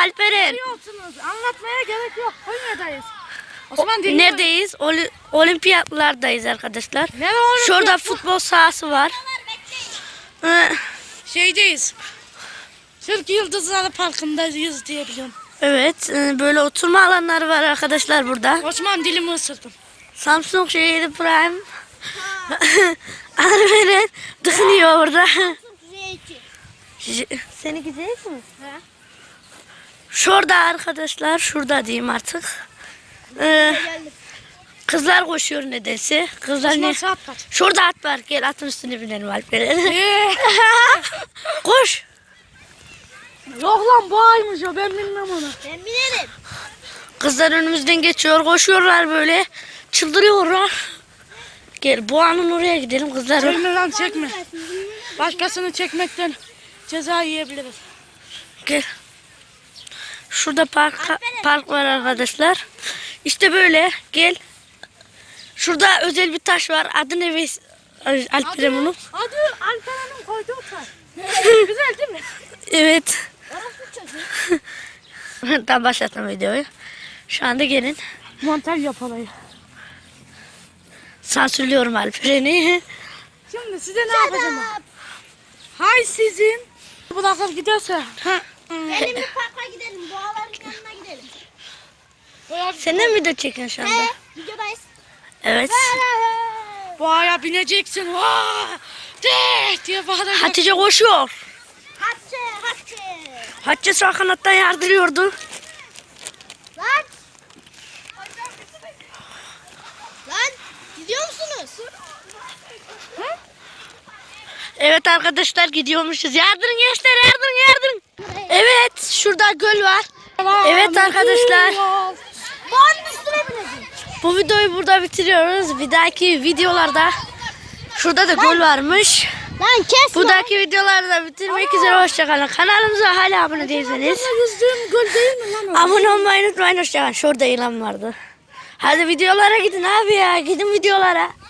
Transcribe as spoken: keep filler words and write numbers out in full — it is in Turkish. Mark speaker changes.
Speaker 1: Alperen?
Speaker 2: Biliyorsunuz. Anlatmaya gerek yok. Konya'dayız. Osman dinliyor.
Speaker 1: Neredeyiz? Oli- olimpiyatlardayız arkadaşlar.
Speaker 2: Ne var?
Speaker 1: Şurada futbol sahası var. Ee,
Speaker 2: Şeydeyiz. Türk Yıldızları Parkı'ndayız diye biliyorum.
Speaker 1: Evet, e, böyle oturma alanları var arkadaşlar burada.
Speaker 2: Osman dilimi ısırdım.
Speaker 1: Samsung şeydi Prime. Alperen tıkınıyor orada. J- Seni gidecek mi?
Speaker 2: He.
Speaker 1: Şurada arkadaşlar, şurada diyeyim artık. Ee, kızlar koşuyor nedense. Kızlar
Speaker 2: Osman
Speaker 1: ne?
Speaker 2: saat kaç?
Speaker 1: Şurada at var. Gel atın üstüne binelim Alperen.
Speaker 2: Ee,
Speaker 1: Koş.
Speaker 2: Yok lan bu aymış o, ben bilmem onu.
Speaker 3: Ben binerim.
Speaker 1: Kızlar önümüzden geçiyor, koşuyorlar böyle. Çıldırıyorlar. Gel Boğa'nın oraya gidelim kızlar.
Speaker 2: Çekme lan çekme. Başkasını çekmekten ceza yiyebiliriz.
Speaker 1: Gel. Şurada park park var arkadaşlar. İşte böyle gel. Şurada özel bir taş var. Adı ne Veys Alperen bunun?
Speaker 2: Adı Alperen'in koyduğu taş. Güzel değil mi?
Speaker 1: Evet.
Speaker 3: Orası çocuğu.
Speaker 1: Tam başlattım videoyu. Şu anda gelin.
Speaker 2: Montaj yapalım.
Speaker 1: Sansürlüyorum Alperen'i.
Speaker 2: Şimdi size ne yapacağım? Hay sizin. Bırakıp giderse.
Speaker 3: Gelin bir parka gidelim. Boğaların yanına gidelim.
Speaker 1: Sen de mi video çekiyorsun şu anda?
Speaker 3: He, videodayız.
Speaker 1: Evet.
Speaker 2: Boğaya bineceksin. Vaa! De diye bağıracak.
Speaker 1: Hatice koşuyor.
Speaker 3: Hatice, Hatice.
Speaker 1: Hatice sağ kanattan yardırıyordu.
Speaker 3: Lan. Lan gidiyor musunuz?
Speaker 1: Evet arkadaşlar gidiyormuşuz. Yardırın gençler, yardırın yardırın. Evet şurada göl var. Evet arkadaşlar.
Speaker 3: Boğanın üstüne bineceğim.
Speaker 1: Bu videoyu burada bitiriyoruz. Bir dahaki videolarda şurada da göl varmış.
Speaker 3: Lan kes
Speaker 1: Bu
Speaker 3: lan.
Speaker 1: dahaki videolarda bitirmek üzere hoşçakalın. Kanalımıza hala abone değilseniz
Speaker 2: Yüzdüğüm göl değil mi lan o?
Speaker 1: abone olmayı unutmayın. Hoşçakalın. Şurada ilan vardı. Hadi videolara gidin abi ya. Gidin videolara.